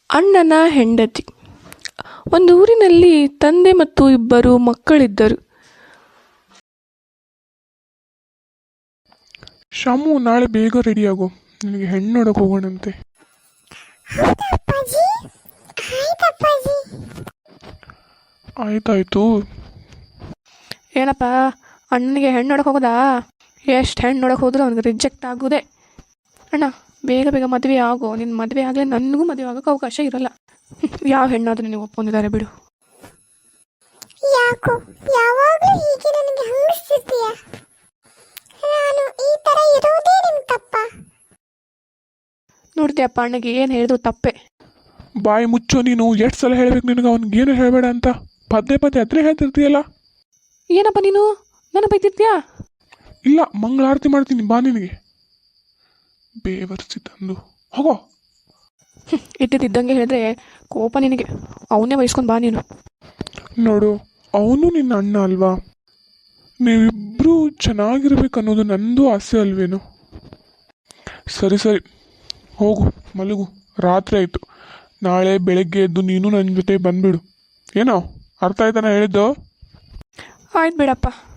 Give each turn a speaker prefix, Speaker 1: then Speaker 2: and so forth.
Speaker 1: ಅಣ್ಣನ ಹೆಂಡತಿ. ಒಂದು ಊರಿನಲ್ಲಿ ತಂದೆ ಮತ್ತು ಇಬ್ಬರು ಮಕ್ಕಳಿದ್ದರು.
Speaker 2: ಶಾಮು, ನಾಳೆ ಬೇಗ ರೆಡಿಯಾಗು, ನನಗೆ ಹೆಣ್ಣು ನೋಡಕ್ಕೆ ಹೋಗೋಣಂತೆ. ಆಯ್ತಾಯ್ತು.
Speaker 1: ಏನಪ್ಪ, ಅಣ್ಣನಿಗೆ ಹೆಣ್ಣು ನೋಡಕ್ಕೆ ಹೋಗೋದಾ? ಎಷ್ಟು ಹೆಣ್ಣು ನೋಡಕ್ಕೆ ಹೋದ್ರೂ ಅವ್ನಿಗೆ ರಿಜೆಕ್ಟ್ ಆಗೋದೇ. ಅಣ್ಣ, ಬೇಗ ಬೇಗ ಮದುವೆ ಆಗೋ. ನಿನ್ನ ಮದುವೆ ಆಗಲೇ ನನಗೂ ಮದುವೆ ಆಗೋಕ್ಕೆ ಅವಕಾಶ ಇರಲ್ಲ. ಯಾವ ಹೆಣ್ಣಾದರೂ ನೀವು ಒಪ್ಕೊಂಡಿದ್ದಾರೆ ಬಿಡು.
Speaker 3: ಯಾಕೋ ಯಾವಾಗಲೂ ಹೀಗೆ ನನಗೆ ಹಂಗಿಸ್ತಿರ್ತೀಯ? ನಾನು ಈ ಥರ ಇರೋದೇ ನಿಮ್ಮ ತಪ್ಪ?
Speaker 1: ನೋಡ್ತೀಯಪ್ಪ, ಅಣ್ಣಗೆ ಏನು ಹೇಳಿದ್ರು ತಪ್ಪೆ.
Speaker 2: ಬಾಯಿ ಮುಚ್ಚೋ ನೀನು. ಎಷ್ಟು ಸಲ ಹೇಳ್ಬೇಕು ನಿನಗೆ ಅವ್ನಿಗೇನು ಹೇಳಬೇಡ ಅಂತ? ಪದೇ ಪದೇ ಅದ್ರೆ ಹೇಳ್ತಿರ್ತೀಯಲ್ಲ.
Speaker 1: ಏನಪ್ಪ ನೀನು ನನ್ನ ಬೈತಿರ್ತೀಯಾ?
Speaker 2: ಇಲ್ಲ, ಮಂಗಳಾರತಿ ಮಾಡ್ತೀನಿ ಬಾ. ನಿನಗೆ ಬೇವರ್ಸಿ ತಂದು ಹೋಗೋ.
Speaker 1: ಇದ್ದಂಗೆ ಹೇಳಿದ್ರೆ ಕೋಪ ನಿನಗೆ. ಅವನ್ನೇ ವಹಿಸ್ಕೊಂಡು ಬಾ ನೀನು.
Speaker 2: ನೋಡು, ಅವನು ನಿನ್ನ ಅಣ್ಣ ಅಲ್ವಾ? ನೀವಿಬ್ಬರೂ ಚೆನ್ನಾಗಿರ್ಬೇಕು ಅನ್ನೋದು ನಂದು ಆಸೆ ಅಲ್ವೇನು? ಸರಿ ಸರಿ, ಹೋಗು ಮಲಗು. ರಾತ್ರಿ ಆಯಿತು. ನಾಳೆ ಬೆಳಗ್ಗೆ ಎದ್ದು ನೀನು ನನ್ನ ಜೊತೆ ಬಂದುಬಿಡು. ಏನೋ ಅರ್ಥ ಆಯ್ತಾನ ಹೇಳಿದ್ದು?
Speaker 1: ಆಯ್ತು ಬಿಡಪ್ಪ.